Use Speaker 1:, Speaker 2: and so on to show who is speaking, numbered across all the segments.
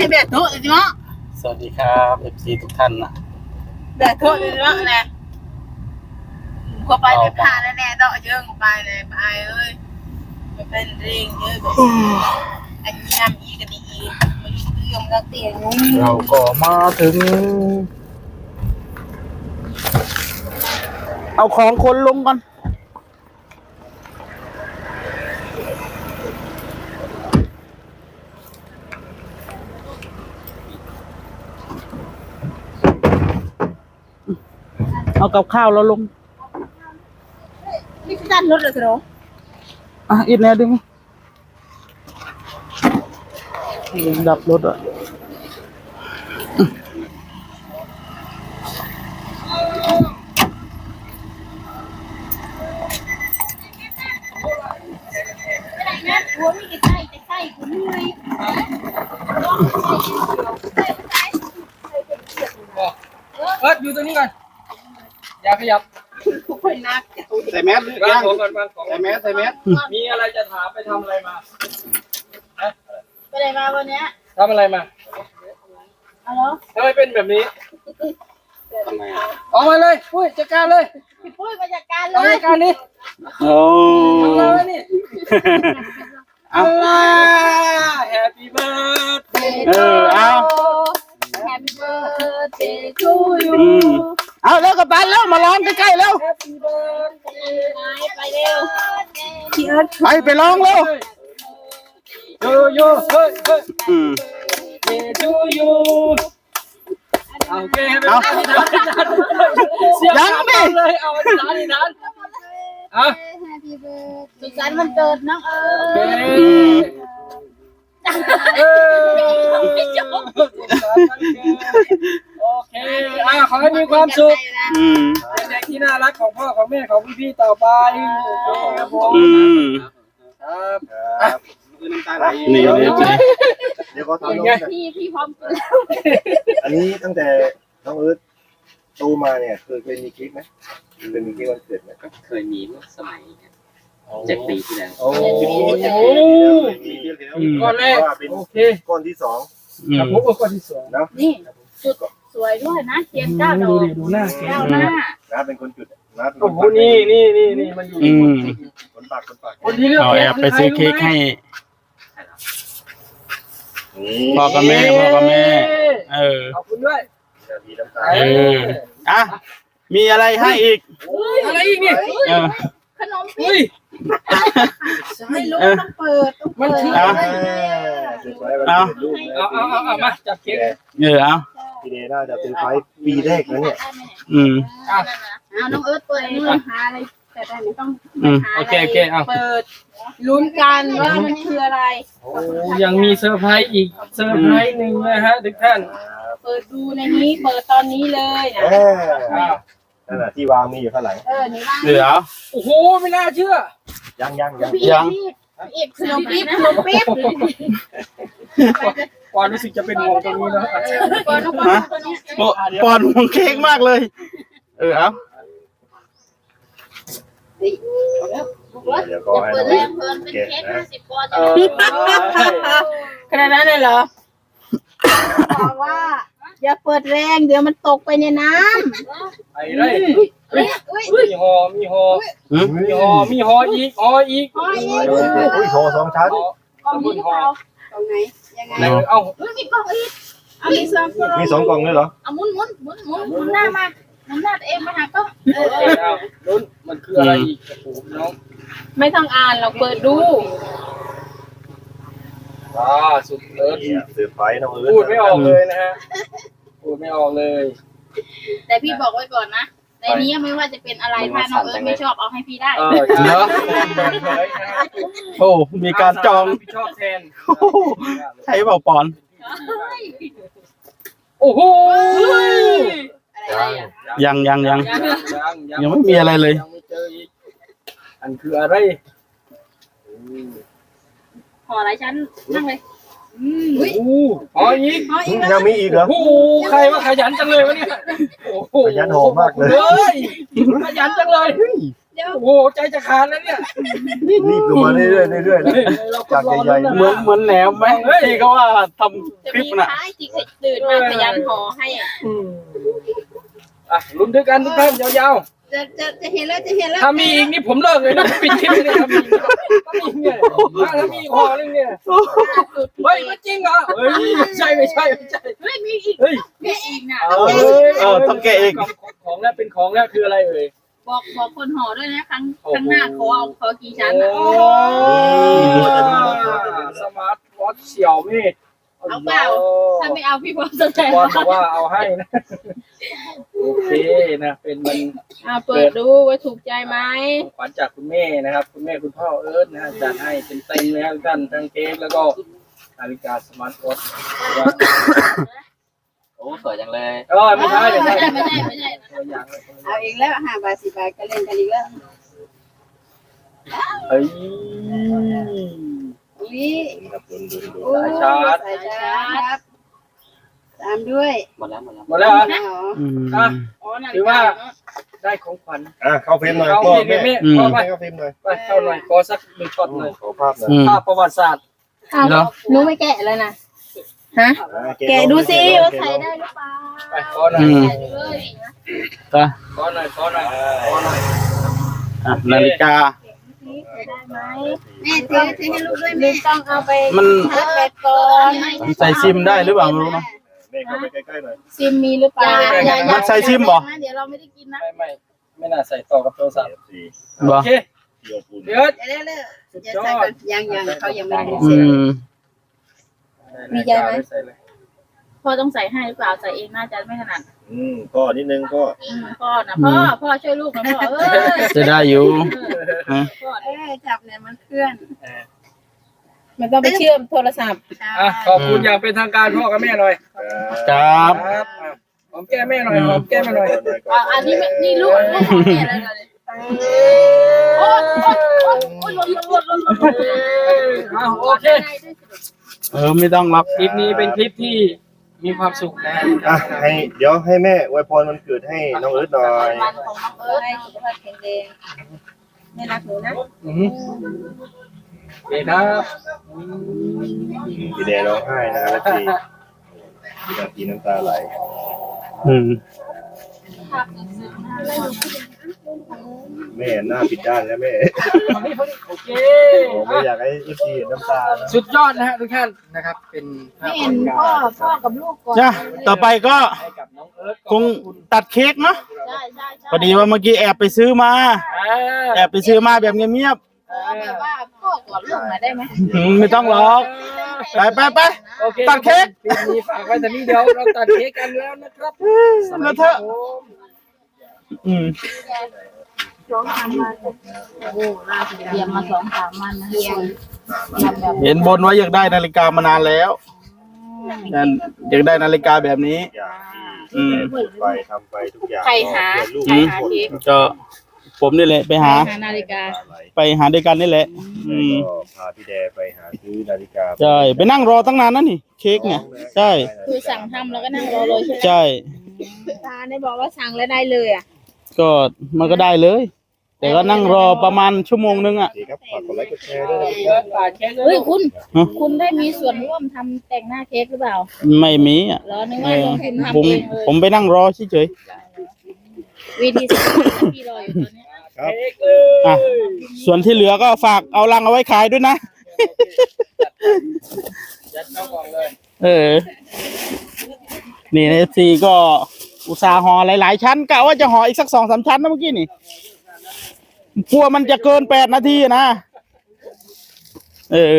Speaker 1: ให้แบบโทษเลยเนาะ
Speaker 2: สวัสดีครับFC ทุกท่านนะ
Speaker 1: แบบโทษเลยเนาะแหละพอไปไปผ่านแล้วแน่ดอกเยอะไปเลยไปเอ้ยมันเป็นเรื่องเยอะแบบอันนี้น้ำอีกันดีมาอยู่เรื่องแล้วเตียงง
Speaker 2: เราก็มาถึงเอาของคนลงก่อนเอากับข้าวเราลง
Speaker 1: นี่คือการลดเลยเหรอ
Speaker 2: อีกแน่ดึงดับรถอ่ะ
Speaker 1: หัวมีกี่ไส้แต่ไส้กูเหนื่อย
Speaker 3: อยู่ตรงนี้ก่อนอย่าขยับ
Speaker 1: ทุกคนนัก
Speaker 2: ใส่แมสหรือยังใส่แมส
Speaker 3: มีอะไรจะถามไปทำอะไรมา
Speaker 1: ไปไหนมาวันนี้
Speaker 3: ทำอะไรมา
Speaker 1: เอาเหรอ
Speaker 3: ทำไมเป็นแบบนี้
Speaker 2: ทำไม
Speaker 3: ออกมาเลยปุ้ยจัดการเลย
Speaker 1: พี่ปุ้ยมาจัดการเล
Speaker 3: จัดการนี่
Speaker 2: โอ้
Speaker 3: ทำอะไรนี่Happy birthday
Speaker 2: เอา
Speaker 1: Happy birthday to you
Speaker 2: เอาแล้วกับตันแล้วมาร้องใกล้ๆแล้ว
Speaker 3: Happy birthday
Speaker 1: ไปเร็วพี่เอิร์ธ
Speaker 2: ไปร้องเร็ว
Speaker 3: โยเฮ้ยto you โอเคยังดิเลยเอาอันนั้น
Speaker 1: Happy birthday สุขสันต์วันเกิดน้องเอิร์ธ
Speaker 3: โอเคขอให้มีความสุขเป็นเด็กที่น่ารักของพ่อของแม่ของพี่ๆต่อไปครับผมครับ
Speaker 2: นี่
Speaker 4: เดี๋ยวก็ทำน้อง
Speaker 1: พี่พร้อมกินแล้ว
Speaker 4: อันนี้ตั้งแต่น้องเอิร์ธโตมาเนี่ยเคยมีคลิปไหมเคยมีคลิปวันเกิดไหม
Speaker 5: ก็เคยมีเมื่อสมัย7 ปีที่แล้ว
Speaker 4: โอ้
Speaker 3: ก้อนแรกโอเค
Speaker 4: ก้อนที่สอง
Speaker 3: ครับผมก้อนที่สอง
Speaker 1: นี่จุดสวยด้วยนะเทียน9 ดอก
Speaker 3: ดูหน้า
Speaker 4: น้าเป็นคนจุดน้าเป็นค
Speaker 3: โอ้
Speaker 4: น
Speaker 3: โหนี่มันอยู่
Speaker 4: คนปาก
Speaker 3: คนที่เลือก
Speaker 2: เอาแอบไปซื้อเค้กให้พ่อกับแม่
Speaker 3: ขอบคุณด้วย
Speaker 2: มีอะไรให้อีก
Speaker 3: อะไรอีกนี่
Speaker 1: ขนมปี๊บไม่รู้ต้องเปิด
Speaker 3: มันคือเอามาจับเค้ก
Speaker 2: เอา
Speaker 4: พี่เดน่าจะเป็นไฟปีแรกแล้วเนี่ย
Speaker 1: เอาน้องเอิร์ธเปิดมือหาอะไรแต่ได้ไม่ต้อง
Speaker 3: โอเคเอา
Speaker 1: เปิดลุ้นกันว่ามันคืออะไร
Speaker 3: โอ้ยังมีเซอร์ไพรส์อีกเซอร์ไพรส์หนึ่งนะฮะทุกท่าน
Speaker 1: เปิดดูในนี้เปิดตอนนี้เลยนะ
Speaker 4: นั่นแหละที่วางมีอยู่ข้างหลัง
Speaker 1: นี่ว่าง
Speaker 2: เหลือ
Speaker 3: โอ้โหไม่น่าเชื่อ
Speaker 4: ยัง
Speaker 1: อีกขนมปี๊บ
Speaker 3: ความรู้สึกจะเป็นห่วงตรงนี้แล้ว
Speaker 2: ปอนห่วงเค้กมากเลยเอา
Speaker 4: เดี๋ยวก็ให้น้องเก็บนะ
Speaker 1: ขนาดนั้นเลยเหรอบอกว่าอย่าเปิดแรงเดี๋ยวมันตกไปในน้
Speaker 3: ำไอ้ไรมีหออีกหออีก
Speaker 4: โชว์2 ชั้น
Speaker 1: กล่องนี้หรือเปล่ากล่องไหนยังไง
Speaker 3: เอา
Speaker 1: มีกล่องอีก
Speaker 4: มี2 กล่องเลยเหรอ
Speaker 1: เอาหมุนหน้ามาหมุนหน้าตัวเองมาหากล้อง
Speaker 3: ลุ้นมันคืออะไรอีกน้อง
Speaker 1: ไม่ต้องอ่านเราเปิดดู
Speaker 3: สุดเลิศ
Speaker 4: เซอร์ไพรส์น้องเอิร์ธ
Speaker 3: พูดไม่ออกเลยนะฮะพูดไม่ออกเลย
Speaker 1: แต่พี่บอกไว้ก่อนนะในนี้ไม่ว่าจะเป็นอะไรถ้าน้องเอิร์ธไม่ชอบเอาให้พี่ได้
Speaker 2: เนาะโอ้มีการจอง
Speaker 3: พี่ชอบแทน
Speaker 2: ใช้เบาปอน
Speaker 3: โอ้โห
Speaker 2: ยังไม่มีอะไรเลย
Speaker 3: ยังไม่เจออีกอันคืออะไร
Speaker 1: ห่อหลายชั้นนั่งเลย
Speaker 3: ห่ออีก
Speaker 4: ยังมีอีกเหรอ
Speaker 3: โอ้โหใครว่าขยันจังเลยวะเนี่ย
Speaker 4: ขยันห่อมากเลย
Speaker 3: ขยันจังเลย
Speaker 1: เดี๋ยว
Speaker 3: โอ้โหใจจะขาดแล้วเนี่ย
Speaker 4: รีบลงมาเรื่อยๆเรื่อยๆนะจากใหญ่ๆ
Speaker 2: เหมือนแหนมไหมที่เขาว่าทำ
Speaker 1: จะ
Speaker 2: คลิ
Speaker 1: มี
Speaker 2: ปน่ะ
Speaker 1: ท้ายที่เคยตื่นมาพยายามห่อให้อ่ะ
Speaker 3: อ่ะลุ้นด้วยกันทุกท่านยาว
Speaker 1: จะเห็นแล้วจะเห็นแล้ว
Speaker 3: ๆถ้ามีอีกนี่ผมเลิกเลยนะผมปิดคลิปเลยถ้ามีอีกเนี่ยถ้ามีอีกห่อนึงเนี่ยเฮ้ยมันจริงเหรอเฮ้ยไม่ใช่
Speaker 1: เฮ้ยมีอีก
Speaker 3: เฮ้ย
Speaker 1: มีอีกนะ
Speaker 2: ต้องแกะเอง
Speaker 3: ของแล้วเป็นของแล้วคืออะไรเอ่ย
Speaker 1: บอกคนห่อด้วยนะครั้งหน้าขอกี่ชั้น
Speaker 3: โอ้สมาร์ทวอทเสี่ยวมี่
Speaker 1: เอาเปล่าถ้าไม่เอาพี่พร้อมแสดง
Speaker 3: บอลบอกว่าเอาให้นะโอเคนะเป็นมัน
Speaker 1: เปิดดูว่าถูกใจไหม
Speaker 3: ของขวัญจากคุณแม่นะครับคุณแม่คุณพ่อเอิร์ธนะฮะจัดให้เต็มๆแล้วกันทั้งเค้กแล้วก็นาฬิกาสมาร์ทวอท
Speaker 5: โอ้สวยจังเลย
Speaker 3: ก็ไม่ใช่
Speaker 1: ไม่ใช่
Speaker 3: ตัวอย่างเลย
Speaker 1: เอาอีกแล้ว5 บาท 10 บาทก็เล่นกันอีกแล้ว
Speaker 3: เฮ้ย
Speaker 1: อุ้ย
Speaker 3: สายชาร์จ
Speaker 1: สายชาร์จครับตามด้วย
Speaker 5: หมดแล้ว
Speaker 3: หมดแล้วเหรอ
Speaker 2: อืม
Speaker 3: อ่ะ
Speaker 1: อ๋อนาฬิ
Speaker 3: ถือก
Speaker 1: า
Speaker 3: ว่าได้ของขวัญ
Speaker 4: เข้าเฟรมหน่อย
Speaker 3: เข้า
Speaker 4: พ่อ
Speaker 3: เฟรม
Speaker 4: แม่
Speaker 3: เข้าไป
Speaker 4: เข้าเฟรมหน่อย
Speaker 3: ไปเข้าหน่อยขอสักหนึ่งช็อตหน่อย
Speaker 4: ขอภาพหน่อย
Speaker 2: อืม
Speaker 3: ภาพประวัติศาสตร์
Speaker 2: เหรอ
Speaker 1: หนูไม่แกะเลยนะฮะแกะดูสิว่าใส่ได้หรือเปล่า
Speaker 3: ไปขอหน่อย
Speaker 2: อืม
Speaker 1: แกะดูเลย
Speaker 2: ก็
Speaker 3: ขอหน่อย
Speaker 2: นาฬิกา
Speaker 1: ได้ไหมแม่ถือให้ลูกด้วยแม่ต้องเอาไป
Speaker 2: มัน
Speaker 1: ชาร์จแบตก่อน
Speaker 2: ใส่ซิมได้หรือเปล่าไม่รู้เนอะ
Speaker 4: แม่เข้าไปใกล้ๆหน่อย
Speaker 1: ซิมมีหรือเปล่า
Speaker 2: มันใส่ซิมบ่
Speaker 1: เดี๋ยวเราไม่ได้กินนะ
Speaker 3: ไม่น่าใส่ต่อกับโทรศัพท์
Speaker 4: สี่
Speaker 3: โอ
Speaker 2: บ่
Speaker 3: เค
Speaker 4: เดียวปูน
Speaker 3: เดี๋ยว
Speaker 1: เดี๋ยว
Speaker 3: สุด
Speaker 1: จะ
Speaker 3: ยอ
Speaker 1: ใส่
Speaker 3: ด
Speaker 1: ก่อนยังเขายังไม่ได้
Speaker 2: อื
Speaker 1: เสร็จ
Speaker 2: ม
Speaker 1: มีใจไหม
Speaker 3: ใส่เลย
Speaker 1: พ่อต้องใส่ให้หรือเปล่าใส่เองน่าจะไม่ถนัด
Speaker 4: ก็นิดนึงก็
Speaker 1: พ่อนะพ่อช่วยลูกนะพ่อ
Speaker 2: จะได้อยู่ฮะ
Speaker 1: พ่อจับเนี่ยมันเคลื่อนมันต้องไปเชื่อมโทรศัพท์
Speaker 3: อ่ะขอบคุณอย่างเป็นทางการพ่อกับแม่หน่อย
Speaker 2: ครับ
Speaker 3: ครับอ่ะหอมแก้มแม่หน่อยหอมแก้มมาหน่อย
Speaker 1: อันนี้นี่ลูกของแม่แล้วเลยโอ้ยหล่น
Speaker 3: โอเค
Speaker 2: ไม่ต้องรับ
Speaker 3: คลิปนี้เป็นคลิปที่มีความสุขนะ
Speaker 4: เดี๋ยวให้แม่อวยพรวันเกิดให้น้องเอิร์ธหน่อย
Speaker 1: วันของน้องเอิร์ธให้สุขภาพแข็งแรงไม่รักหนูนะ
Speaker 3: โอเคครับ
Speaker 4: พี่แดงร้องไห้นะแล้วพี่น้ำตาไหล
Speaker 2: อืม
Speaker 4: แม่หน้าปิดด้านแล้วแม่
Speaker 3: โอเค
Speaker 4: ไม่อยากให้เอฟซีเห็นน้ำตานะ
Speaker 3: สุดยอดนะฮะทุกท่านนะครับ เป็นภาพ
Speaker 1: เห็นพ่อกับลูกก่อน
Speaker 2: จ้ะต่อไปก็
Speaker 3: ให้กับน้องเอิร์ธ
Speaker 2: คงตัดเค้กเนาะ
Speaker 1: ใช่
Speaker 2: พอดีว่าเมื่อกี้แอบไปซื้อมา แอบไปซื้อมาแบบเงียบ
Speaker 1: แบบว่าพ่อก่อนลูกมาได้ไหม
Speaker 2: ๆไม่ต้องหรอก ไป
Speaker 3: โอเค
Speaker 2: ตัดเค้ก
Speaker 3: คลิปนี้ฝากไว้แต่นี้เดียวเราตัดเค้กกันแล้วนะครับ
Speaker 2: แล้วเถอะ อืม
Speaker 1: เตรียมมา2-3 วันนะเรียงแบบ
Speaker 2: เห็นบนว่าอยากได้นาฬิกามานานแล้วอยากได้นาฬิกาแบบนี้
Speaker 4: อย่างที่แม่พูดไปทำไปทุกอย่าง
Speaker 1: ใครหา
Speaker 4: ลูก
Speaker 1: ใครหาเค้ก
Speaker 2: ก็ผมนี่แหละไปหา
Speaker 1: นาฬิกา
Speaker 2: ไปหาด้วยกันนี่แหละ อืม
Speaker 4: ก็พาพี่แดไปหาซื้อนาฬิกา
Speaker 2: ใช่ไปนั่งรอตั้งนานนั่นนี่เค้กเนี่ยใช่
Speaker 1: คือสั่งทำแล้วก็นั่งรอเลยใช่ไหม
Speaker 2: ใช่
Speaker 1: ตาได้บอกว่าสั่งแล้วได้เลยอ่ะ
Speaker 2: ก็มันก็ได้เลย แต่ก็นั่งรอประมาณชั่วโมงนึงอ่ะ
Speaker 4: ดีครับฝากกดไลค์กดแชร์ด้วยนะ
Speaker 3: เอิร์ธฝากเค้กด้วย
Speaker 1: เฮ้ยคุณ
Speaker 2: ฮะ
Speaker 1: คุณได้มีส่วนร่วมทำแต่งหน้าเค้กหรือเปล่า
Speaker 2: ไม่มีอ่ะ
Speaker 1: เหรอนึกว่าลงทุนทำ
Speaker 2: ผม
Speaker 1: เองเลย
Speaker 2: ผมไปนั่งรอเฉย
Speaker 1: วิธีสั่งพี่รออยู่ตอนนี้
Speaker 4: ครับ
Speaker 3: เค้กเลย
Speaker 2: ๆอ่ะส่วนที่เหลือก็ฝากเอาลังเอาไว้ขายด้วยนะ
Speaker 3: ยัดเข้ากล่องเลย
Speaker 2: เออ นี่ในซีก็อุตสาห์ห่อหลายๆชั้นกะว่าจะห่ออีกสัก2-3 ชั้นนะเมื่อกี้นี่กลัวมันจะเกิน8 นาทีนะ เออ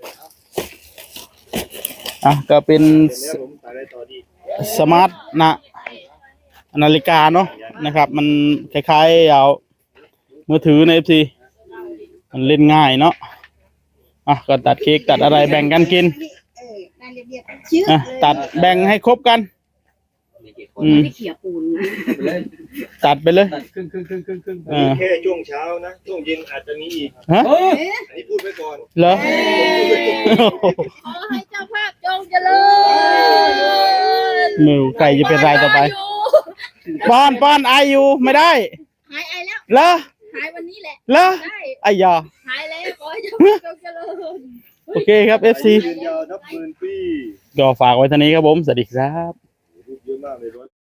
Speaker 2: อ่ะก็เป็น
Speaker 4: แล้วผมไปได้ต่อดี
Speaker 2: สมาร์ทนาฬิกาเนาะนะครับ มันคล้ายๆเอามือถือใน FC มันเล่นง่ายเนาะอ่ะก็ตัดเค้กตัดอะไรแบ่งกันกินอ่ะตัดแบ่งให้ครบกัน
Speaker 5: มีกี่คน
Speaker 2: อืม
Speaker 1: เขี่ยปูน
Speaker 2: ตัดไปเลย
Speaker 3: ตัดครึ่ง
Speaker 2: อ่า
Speaker 4: แค่ช่วงเช้านะช่วงเย็นอาจจะมีอีก
Speaker 2: ฮะ
Speaker 3: เฮ้ย
Speaker 4: อันนี้พูดไว้ก่อน
Speaker 2: เหรอ
Speaker 1: ขอให้เจ้าภาพจงเจริญ
Speaker 2: มือไก่จะเป็นรายต่อไปป้อนไออยู่ไม่ได้
Speaker 1: หายไอแล้ว
Speaker 2: เหรอ
Speaker 1: หายวันนี้
Speaker 6: นี้แหละ
Speaker 2: เหรอ
Speaker 6: ได้
Speaker 2: ไอ้ยา
Speaker 6: หายแล้วขอให้เจริญ
Speaker 2: โอเคครับ FC
Speaker 4: ยืนยาวนับหมื่นปี
Speaker 2: ก็ฝากไว้เท่านี้ครับผม สวัสดีครับ
Speaker 4: เยอะมากเลยรถ